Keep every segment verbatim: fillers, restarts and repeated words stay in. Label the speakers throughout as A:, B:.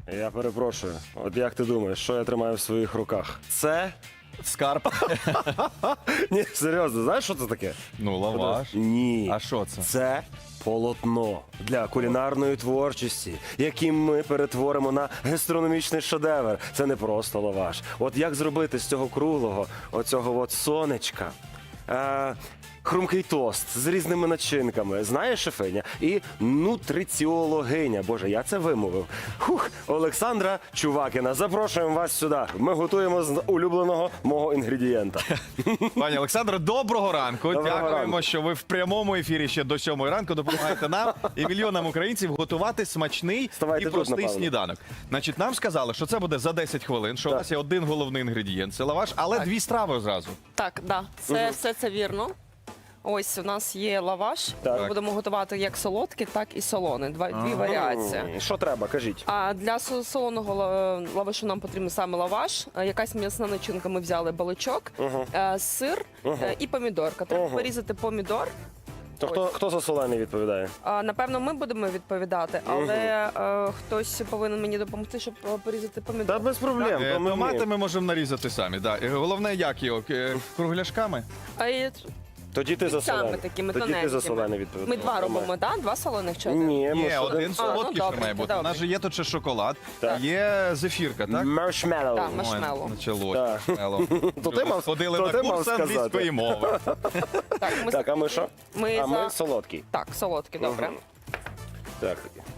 A: Я перепрошую. От як ти думаєш, що я тримаю в своїх руках? Це?
B: Скарб.
A: Ні, серйозно, знаєш, що це таке?
B: Ну, лаваш.
A: Ні.
B: А що це?
A: Це полотно для кулінарної творчості, яким ми перетворимо на гастрономічний шедевр. Це не просто лаваш. От як зробити з цього круглого, оцього от сонечка, е, хрумкий тост з різними начинками. Знаєш, шефиня? І нутриціологиня. Боже, я це вимовив. Хух, Олександра Чувакіна. Запрошуємо вас сюди. Ми готуємо з улюбленого мого інгредієнта.
B: Пані Олександро, доброго ранку.
A: Доброго
B: Дякуємо,
A: ранку.
B: що ви в прямому ефірі ще до сьомої ранку допомагаєте нам і мільйонам українців готувати смачний
A: Вставайте
B: і
A: тут,
B: простий
A: напевно.
B: сніданок. Значить, нам сказали, що це буде за десять хвилин, що у
A: Так.
B: нас є один головний інгредієнт – це лаваш, але дві страви одразу.
C: Так, да, це все це вірно. Ось у нас є лаваш.
A: Так.
C: Ми будемо готувати як солодкий, так і солоний. Два дві варіації.
A: М, Що треба, кажіть.
C: А для со- солоного ла- лавашу нам потрібен саме лаваш, е, якась м'ясна начинка. Ми взяли баличок, е, сир е, і помідорка. Треба
A: Мгм.
C: порізати помідор.
A: То хто, хто за солений відповідає?
C: А, напевно, ми будемо відповідати, але е, хтось повинен мені допомогти, щоб е, порізати помідор.
A: Та без проблем.
B: Е,
A: то ми
B: Томати
A: вміємо.
B: ми можемо нарізати самі. Да. І головне, як його? Е, Кругляшками?
C: А і
A: Тоді ти за
C: саме
A: солений.
C: такими
A: Тоді ти за
C: тоненькими.
A: солений відповідаєш.
C: Ми два робимо, так? Два солоних чи один?
A: Ні, ми
B: Ні,
A: ж
B: один
C: А, ну,
B: солодкий ще
C: добре,
B: має бути. У
C: добре.
B: нас же є тут ще шоколад,
A: Так.
B: є зефірка, так?
A: Маршмеллоу.
C: Так, маршмеллоу.
B: Ой, Начало.
A: Так.
B: маршмеллоу.
A: То ти мав-
B: Ходили
A: то
B: на
A: ти мав
B: курс
A: сказати.
B: англійської мови.
C: Так, ми,
A: Так, а ми що?
C: ми
A: А
C: за...
A: ми солодкий.
C: Так, солодкий, добре.
A: Мгм. Так.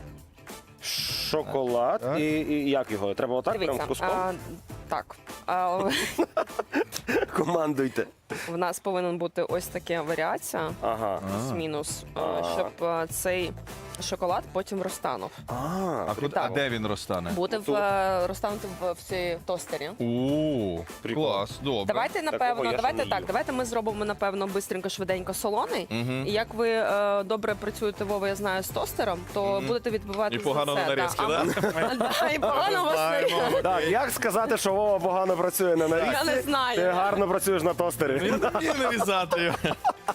A: Шоколад.
B: Так.
A: І, і як його? Треба отак прям
C: Дивіться,
A: куском?
C: а, так. А,
A: Командуйте.
C: в нас повинен бути ось така варіація,
A: Ага.
C: плюс-мінус, а,
A: А.
C: щоб а, цей шоколад потім розтанув.
A: А,
B: А, куди, а де він розтане?
C: Буде в, е, розтанути в, в цій тостері.
B: О,
A: Прикол.
B: клас, добре.
C: Давайте,
A: Такого
C: напевно,
A: я ще
C: давайте
A: не
C: так,
A: їв.
C: давайте ми зробимо, напевно, бистренько, швиденько солоний.
B: Мгм.
C: І як ви е, добре працюєте, Вова, я знаю, з тостером, то будете відбивати
B: І
C: за
B: погано
C: це.
B: на нарізки,
C: А
B: да?
C: ми- Да, і погано у вас
B: Знаємо.
C: нарізки.
A: Так, як сказати, що Вова погано працює на нарізці?
C: Я не знаю.
A: Ти гарно працюєш на тостері.
B: Я не вмію нарізати його.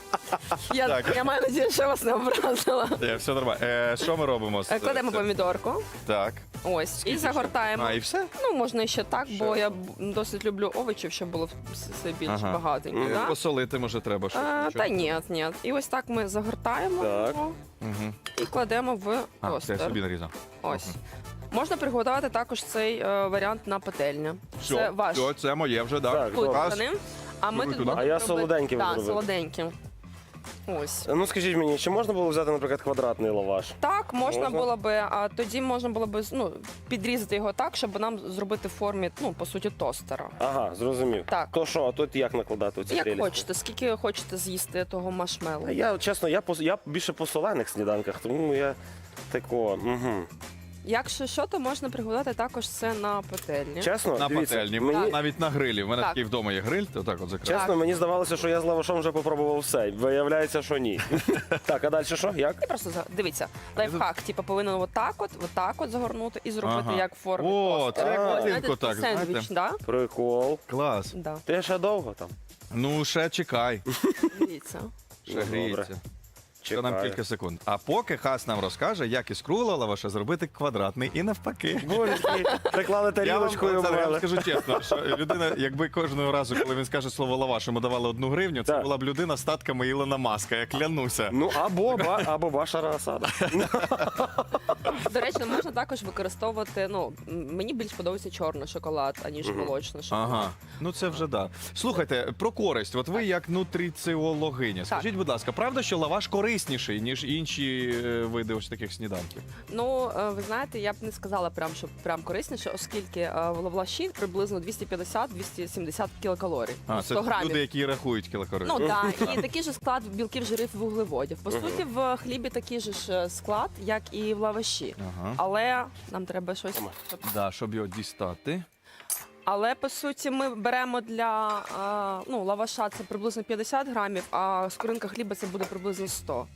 C: Я,
B: Так.
C: я маю надію, що я вас не образила.
B: Е, Все нормально. Е, Що ми робимо? з-
C: Е, Кладемо
B: це-
C: помідорку.
B: Так.
C: Ось, і загортаємо.
B: А, і все?
C: Ну, можна і ще так, бо я б- досить люблю овочів, щоб було все- все більш
B: Ага.
C: багатенько.
B: Е,
C: Да?
B: Посолити, може, треба щось.
C: А,
B: нічого?
C: та ні, ні. І ось так ми загортаємо
A: Так.
C: його
B: Мгм.
C: і кладемо в
B: А, це я
C: тостер.
B: собі нарізав.
C: Ось. Можна приготувати також цей е, варіант на пательні. Це
B: Все,
C: ваш
B: все, це моє вже, так.
A: Так, добре.
B: Раз.
C: кухонний. А ми
B: Туди,
C: тут
B: туди.
C: будемо
A: А я
C: робити-
A: солоденьким
C: Так,
A: зробив.
C: солоденьким. Ось.
A: Ну скажіть мені, чи можна було взяти, наприклад, квадратний лаваш?
C: Так, можна,
A: Можна?
C: було би, а тоді можна було би ну, підрізати його так, щоб нам зробити в формі, ну, по суті, тостера.
A: Ага, зрозумів.
C: Так.
A: То що, а тут як накладати оці
C: Як
A: прелісті?
C: хочете, скільки хочете з'їсти того машмелу.
A: А Я, чесно, я, по- я більше по солених сніданках, тому я такого. Угу.
C: Якщо що, то можна приготувати також це на пательні.
A: Чесно,
B: На
A: дивіться,
B: пательні,
A: мені,
B: навіть на грилі. У мене
C: Так.
B: такий вдома є гриль, то так от закрив.
A: чесно, мені здавалося, що я з лавашом вже попробував все. Виявляється, що ні. Так, а далі що? Як?
C: І просто за- дивіться, лайфхак, типу, повинен отак от, отак от загорнути і зробити
B: Ага.
C: як в формі.
B: О,
C: тостера.
B: це як
C: Ось,
B: годинку
C: знаєте,
B: так,
C: такий сендвіч,
B: знаєте.
C: да?
A: Прикол.
B: Клас.
C: Да.
A: Ти ще довго там?
B: Ну, ще чекай.
C: Дивіться.
B: Ще
A: Ну,
B: гріється.
A: добре.
B: Що нам
A: Чекаю.
B: кілька секунд. А поки Хас нам розкаже, як із круглого лаваша зробити квадратний і навпаки.
A: Боже, приклали
B: Я вам,
A: тарілочку і
B: Олександр, я вам
A: обвели.
B: скажу чесно, що людина, якби кожного разу, коли він скаже слово лаваш, йому давали одну гривню, це
A: Так.
B: була б людина статками Ілона Маска, я клянуся.
A: Ну, або, ба, або Башара Асада.
C: До речі, можна також використовувати. Ну, м- мені більш подобається чорний шоколад, аніж молочний шоколад.
B: Ага, ну це вже да. Слухайте, про користь. От ви як нутриціологиня. Скажіть, будь ласка, правда, що лаваш корисніший, ніж інші е, види ось таких сніданків?
C: Ну, е, ви знаєте, я б не сказала прям, що прям корисніше, оскільки е, в лаваші приблизно двісті п'ятдесят - двісті сімдесят кілокалорій.
B: А, це
C: сто грамів.
B: люди, які рахують кілокалорії.
C: Ну так, і такий же склад білків, жирів, вуглеводів. По суті, в хлібі такий же ж е, склад, як і в лаваші.
B: Ага.
C: Але нам треба щось.
B: Да, щоб його дістати.
C: Але по суті, ми беремо для е, ну, лаваша це приблизно п'ятдесят грамів, а скоринка хліба це буде приблизно сто.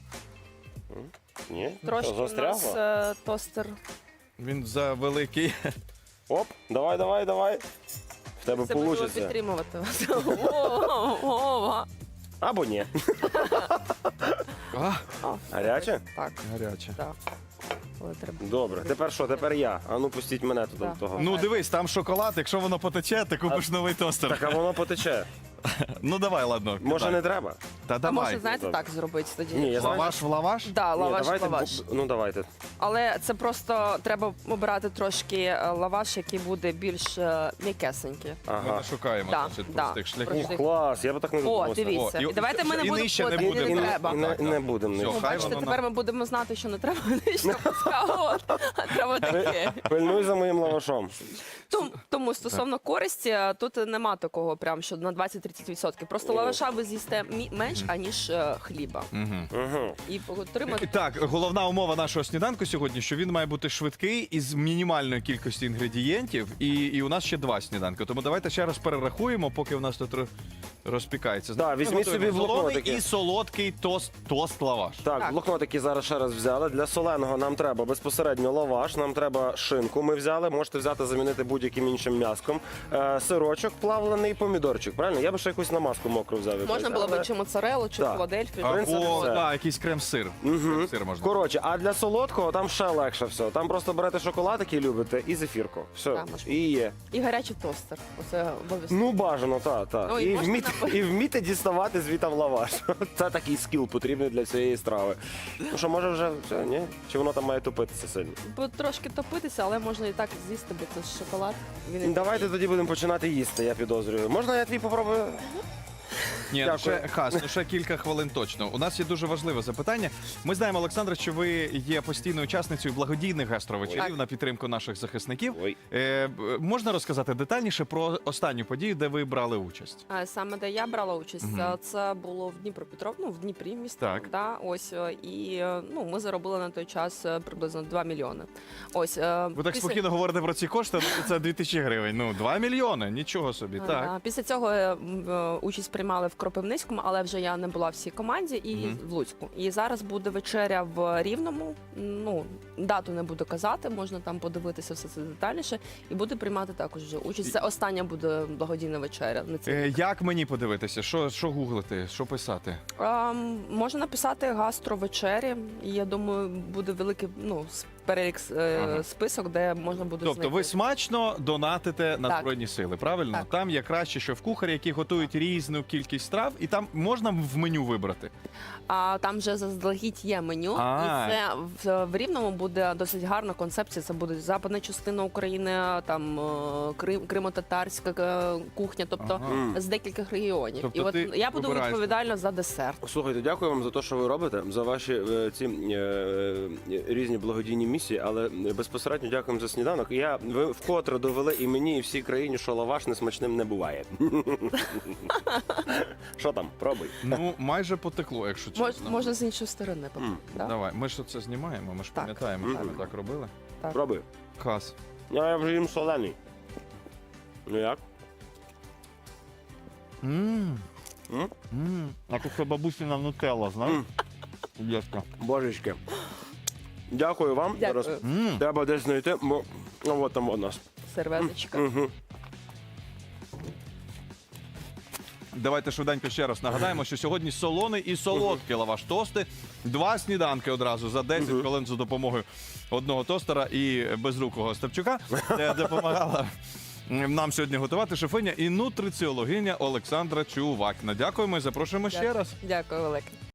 A: Ні?
C: Трошки
A: Що,
C: у нас
A: застрягло?
C: е, тостер.
B: Він за великий.
A: Оп, давай, давай, давай. В тебе
C: Це будемо
A: вийде.
C: підтримувати вас. О, Вова.
A: Або ні.
B: А,
C: О,
A: Гаряче?
C: Так,
B: гаряче.
C: так. але треба.
A: Добре, тепер що? Тепер я. А ну пустіть мене тут
C: Так.
A: до того.
B: Ну дивись, там шоколад, якщо воно потече, ти купиш новий тостер.
A: Так, а воно потече.
B: Ну давай, ладно.
A: Може
B: кидай.
A: не треба?
B: Та
C: А
B: давай.
C: може, знаєте,
A: Добре.
C: так зробити тоді?
A: Ні, я знаю.
B: Лаваш в лаваш?
C: Да,
A: Ні,
C: лаваш,
A: давайте,
C: лаваш.
A: бу- Ну давайте.
C: Але це просто треба обирати трошки е, лаваш, який буде більш е, м'якесенький.
B: Ми
A: Ага.
B: не шукаємо
C: Да,
B: значить,
C: да.
B: простих шляхів.
C: Простих.
A: Ух, клас, я б так не
C: О,
A: додумався.
C: дивіться.
B: О, і-
C: І давайте ми не
B: і
C: будемо
B: нижче не
C: входити,
B: буде.
C: не
A: І не-
C: треба.
A: і не-
B: Так,
A: і не
B: так.
A: будемо.
B: Все,
A: ні.
C: Ну,
B: хай
C: бачите,
B: воно
C: тепер ми будемо знати, що не треба нижче пускати, а треба таке.
A: Пильнуй за моїм лавашом.
C: Тому, тому стосовно користі, тут нема такого прям, що на двадцять-тридцять відсотків. Просто лаваша ви з'їсте мі- менш, аніж е, хліба.
B: Мгм.
A: Угу.
C: І отримати
B: Так, головна умова нашого сніданку сьогодні, що він має бути швидкий із мінімальною кількістю інгредієнтів, і, і у нас ще два сніданки. Тому давайте ще раз перерахуємо, поки у нас тут ро- розпікається.
A: Да,
B: Ми
A: візьміть
B: готуємо
A: собі в
B: солоний
A: блокнотики.
B: і солодкий тост, тост лаваш.
A: Так,
C: Так.
A: блокнотики зараз ще раз взяли. Для соленого нам треба безпосередньо лаваш, нам треба шинку. Ми взяли, можете взяти, замінити будь-яким іншим м'яском. Е, сирочок, плавлений помідорчик. Правильно? Я би ще якусь намазку мокру взяв. якусь,
C: можна було
A: але-
C: б чи моцарелу, чи
A: Так.
C: філадельфію.
A: В принципі,
B: Або
A: все.
B: да, якийсь крем-сир. Крем-сир можна.
A: Коротше, а для солодкого там ще легше все. Там просто берете шоколад, який любите, і зефірку. Все.
C: Так, можна.
A: І є.
C: І гарячий тостер. Оце обов'язково.
A: Ну, бажано, так, так.
C: Ну, і
A: і,
C: можна
A: вміти,
C: напи-
A: і вміти діставати звітам лаваш. Це такий скіл потрібний для цієї страви. Ну що, може вже все, ні? Чи воно там має тупитися сильно?
C: Бо трошки топитися, але можна і так з'їсти, бо це ж шоколад. Він і
A: Давайте тоді будемо починати їсти, я підозрюю. Можна я твій попробую?
B: Ні, ну
A: Дякую.
B: ще хас, ну ще кілька хвилин точно. У нас є дуже важливе запитання. Ми знаємо, Олександра, що ви є постійною учасницею благодійних гастровечерів
C: Ой.
B: на підтримку наших захисників.
A: Ой.
B: Е, б- можна розказати детальніше про останню подію, де ви брали участь?
C: А саме де я брала участь,
B: Мгм.
C: це було в Дніпропетров, ну в Дніпрі місто.
B: Так.
C: Да, ось е, і е, ну ми заробили на той час е, приблизно два мільйони. Ось е,
B: Ви так
C: після-
B: спокійно говорите про ці кошти, ну, це дві тисячі гривень. Ну, два мільйони, нічого собі.
C: А,
B: Так.
C: да. Після цього е, м, е, участь приймали в Кропивницькому, але вже я не була в цій команді і
B: Мгм.
C: в Луцьку. І зараз буде вечеря в Рівному. Ну дату не буду казати, можна там подивитися все це детальніше. І буду приймати також вже участь. Це остання буде благодійна вечеря. На цій.
B: Е, як мені подивитися? Що, що гуглити? Що писати?
C: Ем, можна написати гастровечері, і я думаю, буде великий ну, с- перелік е,
B: Ага.
C: список, де можна буде
B: Тобто ви
C: знайти.
B: смачно донатите на
C: Так.
B: Збройні Сили, правильно?
C: Так.
B: Там є краще, що в кухарі, які готують різну кількість страв, і там можна в меню вибрати.
C: А там вже заздалегідь є меню,
B: А.
C: і це в, в Рівному буде досить гарна концепція. Це буде западна частина України, там е, Крим, Кримо-татарська е, кухня, тобто
B: Ага.
A: М.
C: з декількох регіонів.
B: Тобто
C: і от
B: ти
C: я буду
B: вибираєш.
C: відповідальна за десерт.
A: Слухайте, дякую вам за те, що ви робите, за ваші е, ці е, е, різні благодійні місії, але безпосередньо дякуємо за сніданок. Я ви вкотре довели і мені, і всій країні, що лаваш несмачним не буває. Що там? Пробуй.
B: Ну, майже потекло, якщо
C: Мож,
B: чесно.
C: можна з іншої сторони.
A: М.
C: Да?
B: Давай, ми ж це знімаємо, ми ж
C: Так.
B: пам'ятаємо, що
A: Мгм.
B: ми так робили.
A: Пробуй.
B: Хас.
A: Я, я вже їм солений. Ну як?
B: Мм.
A: М?
B: Мм. А тут це бабусіна нутелла, знаєш?
A: М.
B: Дівчинка.
A: Божечки. Дякую вам.
C: Дякую.
A: Зараз
B: Мм.
A: треба десь знайти. Бо... Ну, от там у нас.
C: Серветочка.
A: Угу.
B: Давайте швиденько ще раз нагадаємо, що сьогодні солоний і солодкий лаваш тости. Два сніданки одразу за десять хвилин за допомогою одного тостера і безрукого Степчука, де допомагала нам сьогодні готувати шефиня і нутриціологиня Олександра Чувакіна. Дякуємо і запрошуємо ще раз.
C: Дякую, велике.